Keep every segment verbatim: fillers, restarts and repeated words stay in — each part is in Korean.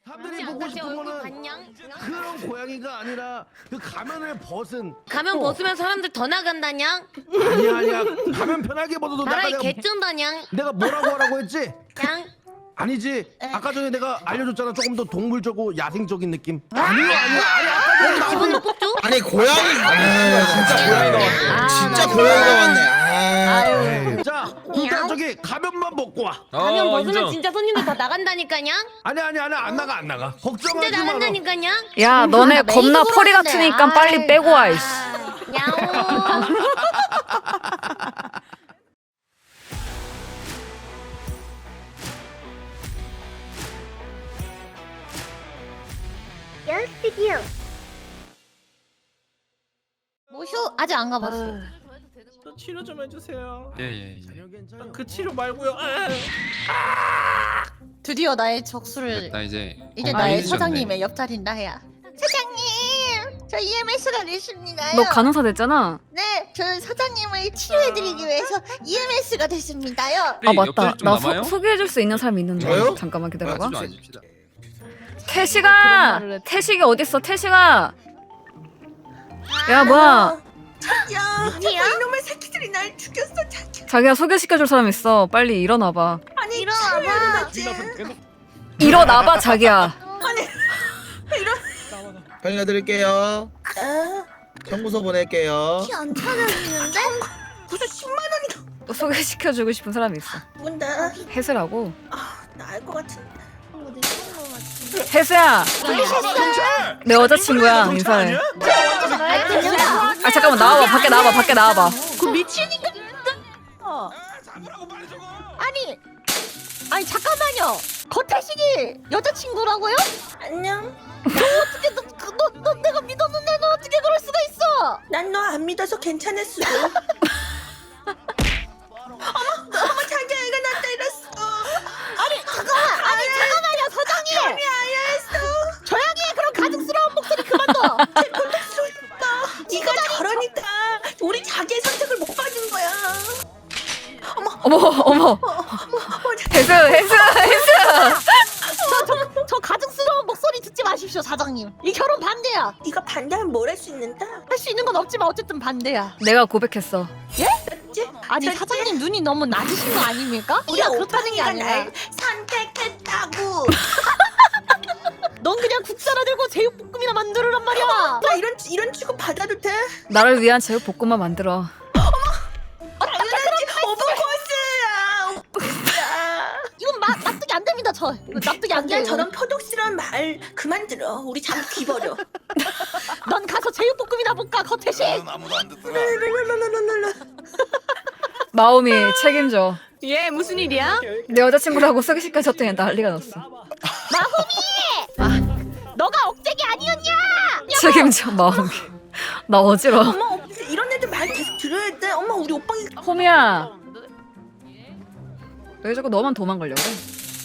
사람들이 보고 싶은 거는 그런 고양이가 아니라 그 가면을 벗은. 가면 벗으면 사람들 더 나간다냥? 아니야 아니야. 가면 편하게 벗어도 나라에 내가 개쩐다냥? 내가 뭐라고 하라고 했지? 냥? 아니지. 아까 전에 내가 알려줬잖아. 조금 더 동물적이고 야생적인 느낌. 아니야 아니야. 아니 아까 전에 나 기분을 뽑죠? 아니 고양이 아, 진짜 고양이가 왔네. 진짜 고양이가 왔네. 아. 자 일단 저기 가면만 벗고 와. 가면 어, 벗으면 인정. 진짜 손님들 다 나간다니까냥? 아니 아니 아니 안 나가 안 나가. 진짜 걱정하지 마라. 나간다니까냥? 야 너네 겁나 펄이 같으니까 빨리 빼고 와 이씨. 야옹. 모쇼 아직 안 가봤어. 저 치료 좀 해주세요. 예예예. 아, 그 치료 말고요. 아. 드디어 나의 적수를 나 이제 이제 어, 나의 알려주셨네. 사장님의 옆자리인 나야. 사장님, 저 이엠에스가 됐습니다요. 너 간호사 됐잖아. 네, 저는 사장님을 치료해드리기 위해서 이엠에스가 됐습니다요. 아 맞다. 옆자리 좀 나 남아요? 소, 소개해줄 수 있는 사람이 있는데. 저요? 잠깐만 기다려봐. 좀 앉읍시다. 태식아, 태식이 어딨어? 태식아. 야 뭐야? 야, 누구야? 이놈의 새끼들이 날 죽였어, 자기. 자기야 소개시켜줄 사람 있어. 빨리 일어나봐. 아니, 일어나봐. 일어나봐 자기야. 빨리 내드릴게요. 청구서 보낼게요. 키안 차려지는데? 무슨 십만 원이 소개시켜주고 싶은 사람이 있어. 뭔데? 혜수라고. 나 알 것 같은데. 혜수야, 내 여자친구야. 인사해. 아 잠깐만 나와봐. 밖에 나와봐. 밖에 나와봐. 그 미친인가? 어. 아니, 아니 잠깐만요. 거태식이 여자친구라고요? 안녕. 너 어떻게 너, 그, 너, 너 내가 믿었는데 너 어떻게 그럴 수가 있어? 난 너 안 믿어서 괜찮았어. 어머, 어머 자기야 이거 나 때렸어. 아니 잠깐만, 아니 잠깐만요 사장님. 아니 알았어. 조용히 해. 그럼 가증스러운 목소리 그만둬. 제 고통스럽다. 네가 저러니까 우리 자기의 선택을 못 받은 거야. 어머 어머. 혜수 혜수 혜수. 저, 저, 저 가증스러운 목소리 듣지 마십시오 사장님. 이 결혼 반대야. 네가 반대하면 뭘 할 수 있는데? 할 수 있는 건 없지만 어쨌든 반대야. 내가 고백했어. 아니 사장님 눈이 너무 낮으신 거 아닙니까? 우리가 그렇다는 게 아니라 선택했다고. 넌 그냥 국자나 들고 제육볶음이나 만들으란 말이야. 나 이런 이런 취급 받아도 돼? 나를 위한 제육볶음만 만들어. 당연하지. 오브코스야. 이건 마, 납득이 안 됩니다 저. 이거 납득이 안 돼요. 저런 표독스러운 말 그만 들어. 우리 잠 귀버려. 넌 가서 제육볶음이나 볶아 거태식. 마음이 책임져. 얘 무슨 일이야? 내 여자친구라고 소개시켜줬더니 난리가 났어. 너가 억제기 아니었냐? 책임져 마음이. 나 어지러워. 엄마 이런 애들 말 계속 들어야 돼. 엄마 우리 오빵이 호미야. 왜 자꾸 너만 도망가려고 그래?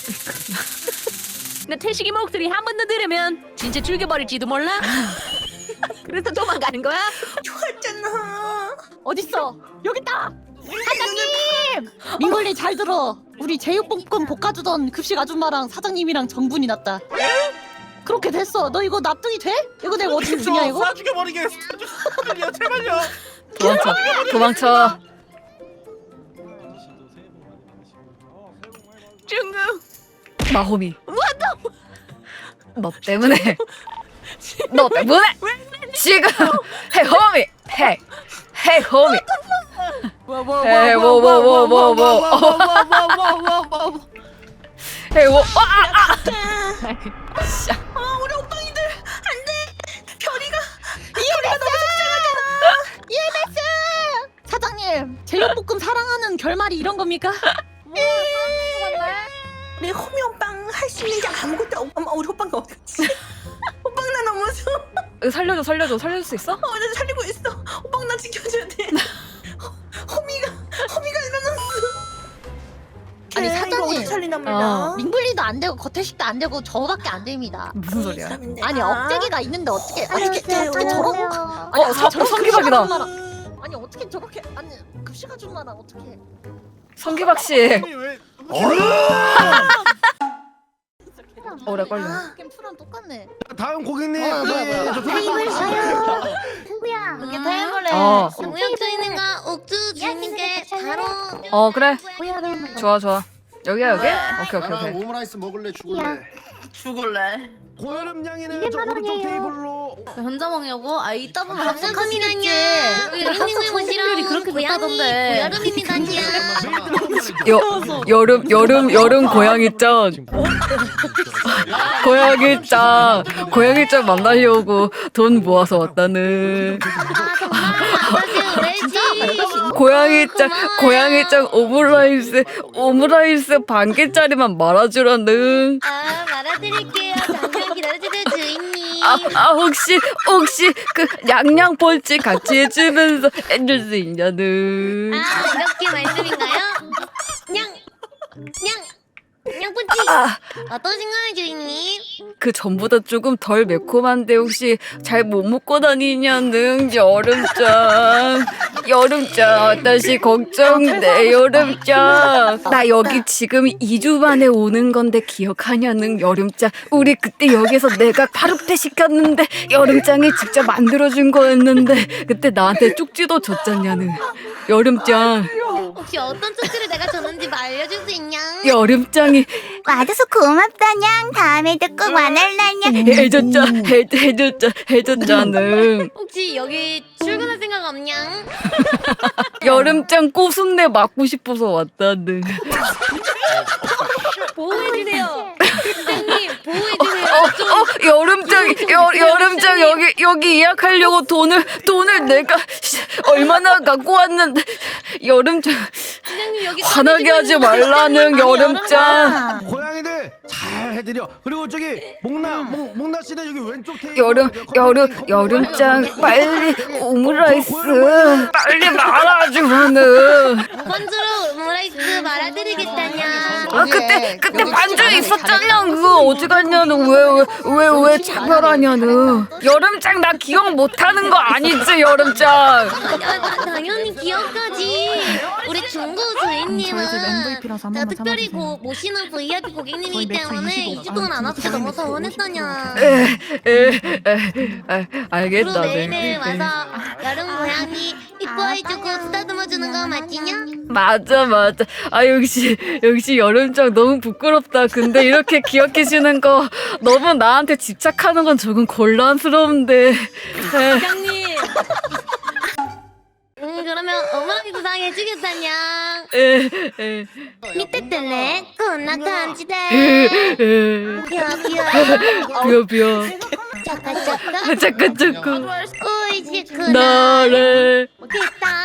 근데 태식이 목소리 한 번 더 들으면 진짜 죽여버릴지도 몰라? 그래서 도망가는 거야? 좋았잖아. 어딨어? 여기 있다. 사장님! 민걸리 잘 들어. 우리 제육볶음 볶아주던 급식 아줌마랑 사장님이랑 정분이 났다. 그렇게 됐어. 너 이거 납득이 돼? 이거 내가 어떻게 주냐 이거? 쏴 죽여버리겠습니다. 제발요. 도망쳐. 도망쳐. 중국 마호미. 너 때문에. 너 때문에. 지금. 헤이 호미. 헤이. 헤이 호미. 헤이 워워워워워. 헤이 워. 아아. 어 우리 오빵이들 안돼. 별이가 이엠에스! 사장님, 제육볶음 사랑하는 결말이 이런 겁니까? 내 호미 오빵 할 수 있는 게 아무것도 없. 엄마 우리 오빵이 어디 갔지? 오빵 나 너무 무서워. 살려줘 살려줘 살릴 수 있어? 어, 나 살리고 있어. 오빵 나 지켜줘야 돼. 호- 호미가 호미가 일어났어. 아니, 걔 사장님. 이거 어떻게 살리나 몰라. 어. 민블리도 안 되고 거태식도 안 되고 저밖에 안 됩니다. 무슨 소리야? 아니 억제기가 있는데 어떻게 어떻게 안녕하세요. 어떻게 저런 어, 사- 저런 성기박이다. 급식 아줌마랑- 아니 어떻게 저렇게 아니 급식 아줌마랑 어떻게 성기박 씨. 왜? 얼른! 오래 걸려. 캠프랑 똑같네. 다음 고객님. 어, 뭐야, 네, 뭐야. 저 타임을 소개팅 누구야? 이게 타임을래. 어. 영역 주인님과 옥주 주인님께 바로. 어 그래. 뭐야 너? 좋아 좋아. 여기야 여기? 오케이 오케이 오케이. 오므라이스 먹을래 죽을래? 죽을래. 고여름 양이는 저 오른쪽 테이블로. 혼자 먹냐고? 아 이따 보면 합숙합니다냐. 유인님을 모시러 그렇게 고양이 고여름입니다냐. 여 여름 여름 여름 고양이 짱. 고양이 짱. 고양이 짱 만나려고 돈 모아서 왔다는. 아 정말 아버지 왜지? 고양이 짱 고양이 짱 오므라이스 오므라이스 반 개짜리만 말아주라는. 아 말아드릴게요. 잠깐 기다려주세요 주인님. 아, 아 혹시 혹시 그 양양 폴치 같이 해주면서 해줄 수 있냐는. 아 이렇게 말씀인가요? 냥! 냥! 냥뿌치! 아, 어떠신가요 주인님? 그 전보다 조금 덜 매콤한데 혹시 잘 못 먹고 다니냐는 여름짱. 여름짱 다시 걱정돼 여름짱. 나 여기 지금 이 주 만에 오는 건데 기억하냐는 여름짱. 우리 그때 여기서 내가 파르페 시켰는데 여름짱이 직접 만들어준 거였는데 그때 나한테 쪽지도 줬잖냐는 여름짱. 혹시 어떤 쪽지를 내가 줬는지 뭐 알려줄 수 있냐? 여름짱이 와줘서 고맙다냥. 다음에도 꼭 와달라냥. 해줬자 해, 해줬자 해줬자는. 혹시 여기 출근할 생각 없냐? 여름짱 꼬순내 맞고 싶어서 왔다는. 보호해주세요 선생님 보호해주세요 어, 어, 여름짱, 여, 여름짱 여기 여기 예약하려고 돈을 돈을 내가 얼마나 갖고 왔는데 여름짱 선생님 여기 화나게 하지 말라는 여름짱. 고양이들 잘 해드려. 그리고 저기 목나 목 목나 씨는 여기 왼쪽 테이블. 여름 여름 여름짱 빨리 오므라이스 빨리 말아주면은. 번주로 오므라이스 말아드리겠다냐. 아 그때 그때 반주 있었잖아. 그거 어디 갔냐는. 왜 왜 왜 왜 차별하냐는. 여름짱 나 기억 못하는 거 아니지 여름짱. 아, 나- 당연히 기억하지. 우리 중고 주인님은 제가 특별히 고, 모시는 브이아이피 고객님이기 때문에 이 주 동안 안 왔을 너무 서운했다냐. 에, 알겠다. 그리고 네. 매일매일 와서 여름 고양이 이뻐해주고 쓰다듬어주는 거 맞지냐? 맞아 맞아. 아 역시 역시 여름짱 너무 부끄럽다. 근데 이렇게 기억해주는 거 너무 나한테 집착하는 건 조금 곤란스러운데. 에, 부장님. 음 그러면 오므라이스 상 해주겠다냐. 에, 에, 밑에 때네 꼬나 간지대. 에, 벼벼 비어 비어. 짜까 짜까 잠깐 잠깐. 오이시쿠나 나를 됐다.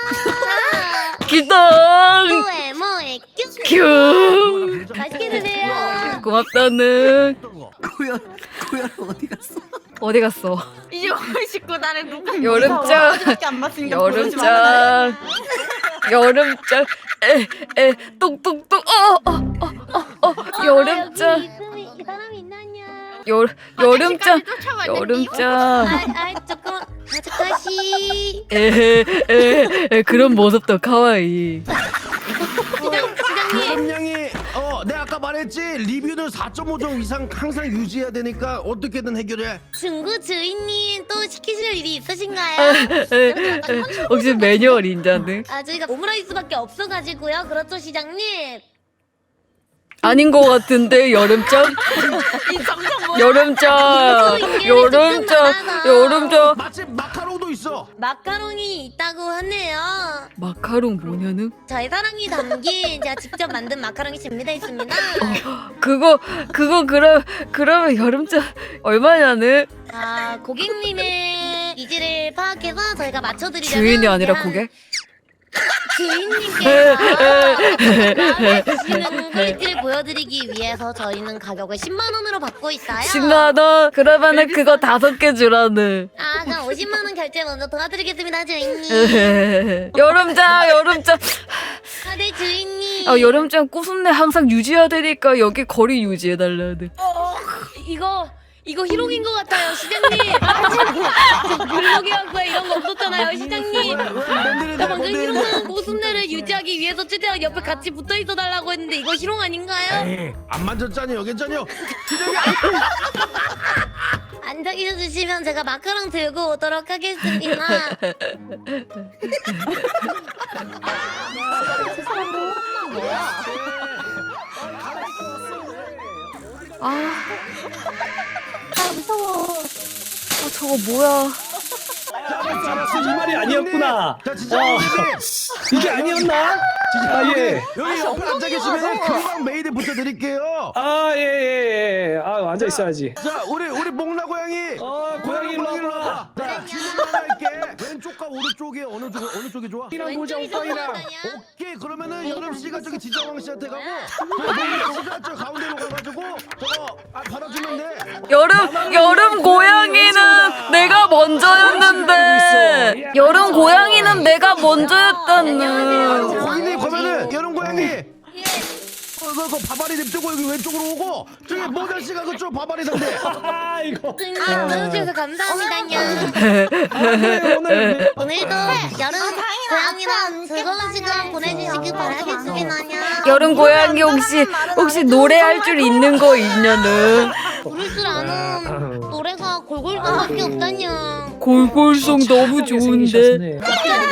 기동 뭐해 뭐해 큐. 큐. 맛있게 드세요. 고맙다는. 고열 고열 어디 갔어? 어디 갔어? 이제 오십구 나를 누가 여름짱. 안 맞으니까 보여주지 말라. 여름짱 여름짱 에에 똑똑똑 어어어어 여름짱 여기 이 사람이 있나냐? 여 여름짱 여름짱 아아 조금 아저씨. 에에 그런 모습도 카와이. 부장 부장님. 고여름 양이 어, 내가 아까 말했지. 리뷰는 사 점 오 점 이상 항상 유지해야 되니까 어떻게든 해결해. 중구 주인님 또 시키실 일이 있으신가요? 혹시 매뉴얼 인자는? 아 저희가 오므라이스밖에 없어가지고요. 그렇죠 시장님? 아닌 것 같은데 여름짱 여름짱 여름짱 여름짱 마침 마카롱도 있어. 마카롱이 있다고 하네요. 마카롱 뭐냐는? 저희 사랑이 담긴 제가 직접 만든 마카롱이 준비되어 있습니다. 그거 그거 그럼 그러면 여름짱 얼마냐는? 아 고객님의 니즈를 파악해서 저희가 맞춰드리려면 주인이 아니라 한 고객? 주인님께서 마음에 드시는 퀄리티를 보여드리기 위해서 저희는 가격을 십만 원으로 받고 있어요. 십만 원? 그러면은 그거 다섯 개 주라는. 아 그럼 오십만 원 결제 먼저 도와드리겠습니다 주인님. 여름짱 여름짱 아 네 주인님. 아 여름짱 꼬순내 항상 유지해야 되니까 여기 거리 유지해달라는. 이거 이거 희롱인 것 같아요, 시장님. 블록이었고요, 이런 거 없었잖아요, 시장님. 나 방금 희롱하는 모습들을 유지하기 위해서 최대한 옆에 같이 붙어 있어 달라고 했는데 이거 희롱 아닌가요? 에이, 안 만졌잖아요, 괜찮요. 앉아 계셔주시면 제가 마카롱 들고 오도록 하겠습니다. 아, 아 무서워. 아 저거 뭐야? 이 말이 아니었구나. 자, 진짜 어, 근데 이게 아니었나? 아 예. 여기 옆에 앉아 계시면 금방 메이드 붙여드릴게요. 아 예 예. 예. 아 앉아 있어야지. 자, 우리 우리 목나 고양이. 어 고양이 일로 와봐. 자, 질문 하나 할게. 왼쪽과 오른쪽에 어느 쪽 어느 쪽이 좋아? 이랑 보자 오빠이랑. 오케이, 그러면은 여름 씨가 저기 지정왕 씨한테 가고, 저 씨가 저 가운데로 가가지고 저거 아, 받아주면 돼. 여름 여름 고양이는 내가 먼저였는데 여름 고양이는 내가 먼저였다는. 고객님 그러면은 여름 고양이. 그, 그, 그 바바리 냅두고 여기 왼쪽으로 오고 저기 모델 씨가 그쪽 바바리 상대. 아 이거. 아 보여주셔서 감사합니다요. 오늘 오늘 오늘도 여름 고양이랑 즐거운 시간 보내주시길 바라겠습니다. 여름 고양이 혹시 혹시 노래할 줄 있는 거 있냐는. 부를 줄 아는 노래가 골골송밖에 없다냐. 골골송 너무 좋은데.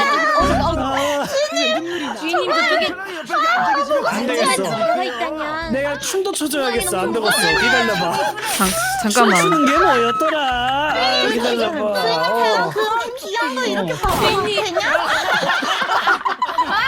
주인님 저쪽에 안 되겠어. 노래가 있다냐. 내가 춤도 춰줘야겠어. 안 되겠어. 기다려봐. 잠, 잠깐만. 춤추는 게 뭐였더라? 아, 기다려봐. 어. 그런 귀한 거 이렇게 봐도 되냐?